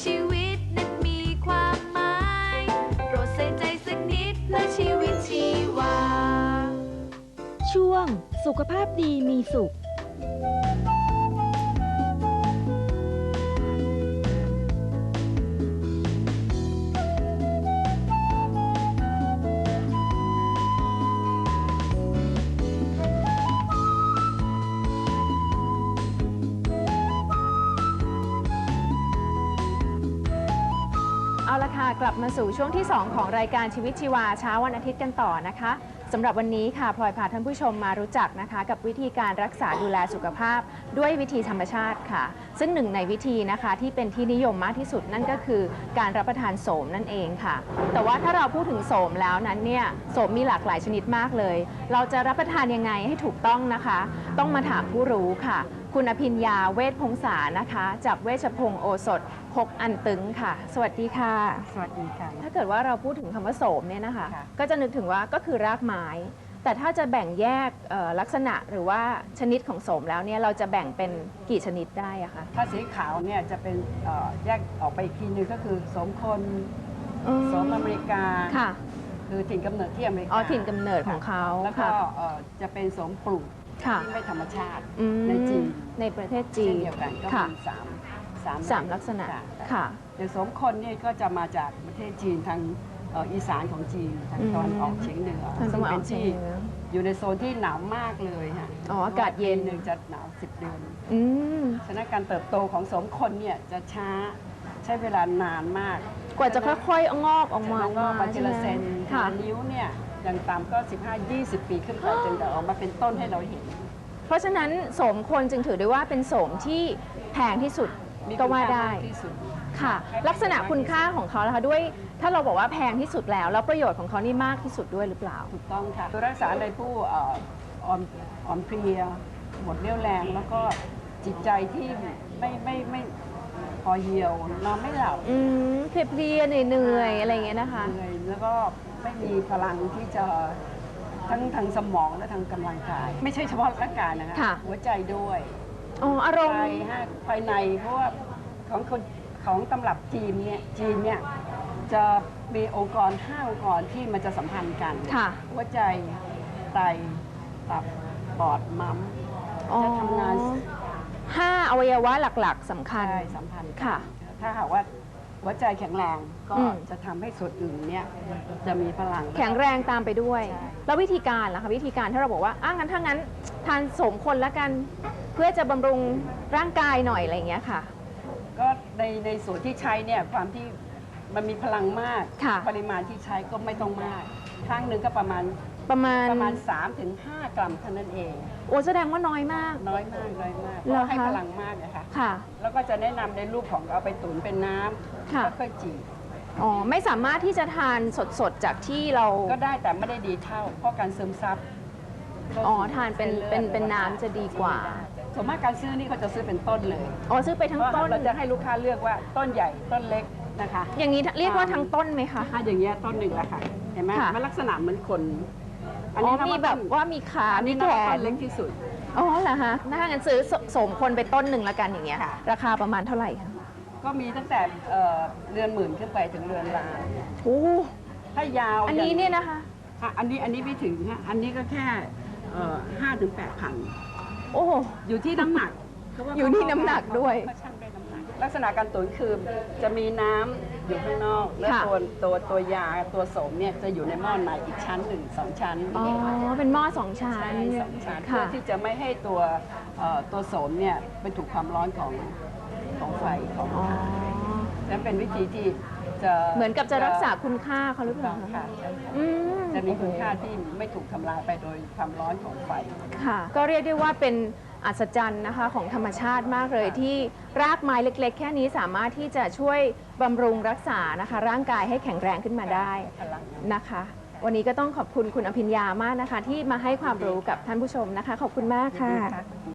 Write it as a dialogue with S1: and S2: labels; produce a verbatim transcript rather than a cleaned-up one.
S1: ชีวิตนั้นมีความหมายโปรดใส่ใจสักนิดเพื่อชีวิตชีวา
S2: ช่วงสุขภาพดีมีสุข
S3: เอาละค่ะกลับมาสู่ช่วงที่สองของรายการชีวิตชีวาเช้าวันอาทิตย์กันต่อนะคะสำหรับวันนี้ค่ะพลอยพาท่านผู้ชมมารู้จักนะคะกับวิธีการรักษาดูแลสุขภาพด้วยวิธีธรรมชาติค่ะซึ่งหนึ่งในวิธีนะคะที่เป็นที่นิยมมากที่สุดนั่นก็คือการรับประทานโสมนั่นเองค่ะแต่ว่าถ้าเราพูดถึงโสมแล้วนั้นเนี่ยโสมมีหลากหลายชนิดมากเลยเราจะรับประทานยังไงให้ถูกต้องนะคะต้องมาถามผู้รู้ค่ะคุณอภิญญาเวชพงษานะคะจากเวชพงศ์โอสถหกอันตึงค่ะสวัสดีค่ะ
S4: สวัสดีค่ะ
S3: ถ้าเกิดว่าเราพูดถึงคำว่าโสมเนี่ยนะคะก็จะนึกถึงว่าก็คือรากไม้แต่ถ้าจะแบ่งแยกลักษณะหรือว่าชนิดของโสมแล้วเนี่ยเราจะแบ่งเป็นกี่ชนิดได้อะคะ
S4: ถ้าสีขาวเนี่ยจะเป็นแยกออกไปอีกทีนึงก็คือโสมคนโสมอเมริกา
S3: ค่ะ
S4: คือถิ่นกำเนิดที่อเมริกา
S3: อ๋อถิ่นกำเนิดของเขา
S4: แล้วก็จะเป็นโสมปลูกที่ไม่ธรรมชาติในจีน
S3: ในประเทศจีน
S4: เช่นเดียวกันก็มีสามสาม
S3: สามลักษณะค่ะ
S4: อย่างโสมคนเนี่ยก็จะมาจากประเทศจีนทางอีสานของจีนทางตะวันออกเฉียงเหนือซึ่งเป็นที่อยู่ในโซนที่หนาวมากเลยค่ะ
S3: อ๋ออากาศเย็น
S4: หนึ่งจะหนาวสิบเดือนฉะนั้นการเติบโตของโสมคนเนี่ยจะช้าใช้เวลานานมาก
S3: กว่าจะค่อยๆงอกออกมาง
S4: อกมาทีละเซนทีละนิ้วเนี่ยอย่างต่ำก็ สิบห้าถึงยี่สิบ ปีขึ้นไปจนจะออกมาเป็นต้นให้เราเห็น
S3: เพราะฉะนั้นโสมคนจึงถือได้ว่าเป็นโสมที่แพงที่สุดก็ว่าได้ค่ะลักษณะคุณค่าของเขานะคะด้วยถ้าเราบอกว่าแพงที่สุดแล้วแล้วประโยชน์ของเขานี่มากที่สุดด้วยหรือเปล่า
S4: ถูกต้องค่ะตัวรักษาในผู้อ่อนอ่อนเพลียหมดเรี่ยวแรงแล้วก็จิตใจที่ไม่ไม่ไม่พอเหี่ยวนอนไม่หลับ
S3: อืมเพลียเหนื่อยอะไรอย่างเงี้ยนะคะ
S4: เหนื่อยแล้วก็ไม่มีพลังที่จะทั้งทางสมองและทางกำลังกายไม่ใช่เฉพาะร่างกายนะคะหัวใจด้วย
S3: อ๋ออารมณ์
S4: ภายในเพราะว่าของคนของตำรับจีนเนี่ยจีนเนี่ยจะมีองค์กรห้าองค์กรที่มันจะสัมพันธ์กันหัวใจไตตับปอดม้ามจะทำงาน
S3: ห้าอวัยวะหลักๆสำคัญ
S4: สัมพันธ์
S3: ค่ะ
S4: ถ้าหากว่าหัวใจแข็งแรงก็จะทำให้ส่วนอื่นเนี่ยจะมีพลัง
S3: แข็งแรงตามไปด้วยแล้ววิธีการล่ะคะวิธีการถ้าเราบอกว่าอ้างั้นถ้างั้นทานโสมคนละกันเพื่อจะบำรุงร่างกายหน่อยอะไรอย่างเงี้ยค่ะ
S4: ก็ในในส่วนที่ใช้เนี่ยความที่มันมีพลังมากปริมาณที่ใช้ก็ไม่ต้องมากครั้งหนึ่งก็ประมาณ
S3: ประมาณ
S4: ประมาณ สามถึงห้า กรัมเท่านั้นเอง
S3: โอ้แสดงว่าน้อยมาก
S4: น้อยมากน้อยมากเพราะให้พลังมากนะคะ
S3: ค่ะ
S4: แล้วก็จะแนะนำในรูปของเอาไปตุ๋นเป็นน้ำแล้วค่อยจี
S3: อ๋อไม่สามารถที่จะทานสดๆจากที่เรา
S4: ก็ได้แต่ไม่ได้ดีเท่าเพราะการซึมซับ
S3: อ๋อทานเป็นเป็นเป็นน้ำจะดีกว่า
S4: ส่วนมากการซื้อนี่เขาจะซื้อเป็นต้นเลย
S3: อ๋อซื้อไปทั้งต้น
S4: เราจะให้ลูกค้าเลือกว่าต้นใหญ่ต้นเล็กนะคะ
S3: อย่างนี้เรียกว่าทั้งต้นไหมคะ
S4: ถ้าอย่างเงี้ยต้นหนึ่งแหละค่ะเห็นไหมมันลักษณะเหมือนคน
S3: อันนี้มีแบบว่ามีขามีแขน
S4: เล็กที่สุด
S3: อ๋อเหรอคะถ้างั้นซื้อโสมคนไปต้นหนึ่งละกันอย่างเงี้ยราคาประมาณเท่าไหร่คะ
S4: ก็มีตั้งแต่เรือนหมื่นขึ้นไปถึงเรือนล้าน
S3: โอ้
S4: ถ้ายาว
S3: อันนี้เนี่ยนะคะ
S4: อันนี้อันนี้ไม่ถึงฮะอันนี้ก็แค่ห้าถึงแปดพัน
S3: โอ้
S4: อยู่ที่น้ำหนัก
S3: อยู่ที่น้ำหนักด้วย
S4: ลักษณะการตุ๋นคือจะมีน้ำอยู่ข้างนอกแล้วตัวตัวตัวยาตัวโสมเนี่ยจะอยู่ในหม้อในอีกชั้นหนึ่งสองชั้น
S3: อ๋อเป็นหม้อสองชั้น
S4: สองชั้นเพื่อที่จะไม่ให้ตัวตัวโสมเนี่ยไปถูกความร้อนของของไฟของนั่นเป็นวิธีที่จะ
S3: เหมือนกับจะรักษาคุณค่าเขาหรือเปล่า
S4: คะจะมีคุณค่าที่ไม่ถูกทำลายไปโดยความร้อนของไฟ
S3: ค่ะก็เรียกได้ว่าเป็นอัศจรรย์นะคะของธรรมชาติมากเลยที่รากไม้เล็กๆแค่นี้สามารถที่จะช่วยบำรุงรักษานะคะร่างกายให้แข็งแรงขึ้นมาได้นะคะวันนี้ก็ต้องขอบคุณคุณอภิญญามากนะคะที่มาให้ความรู้กับท่านผู้ชมนะคะขอบคุณมากค่ะ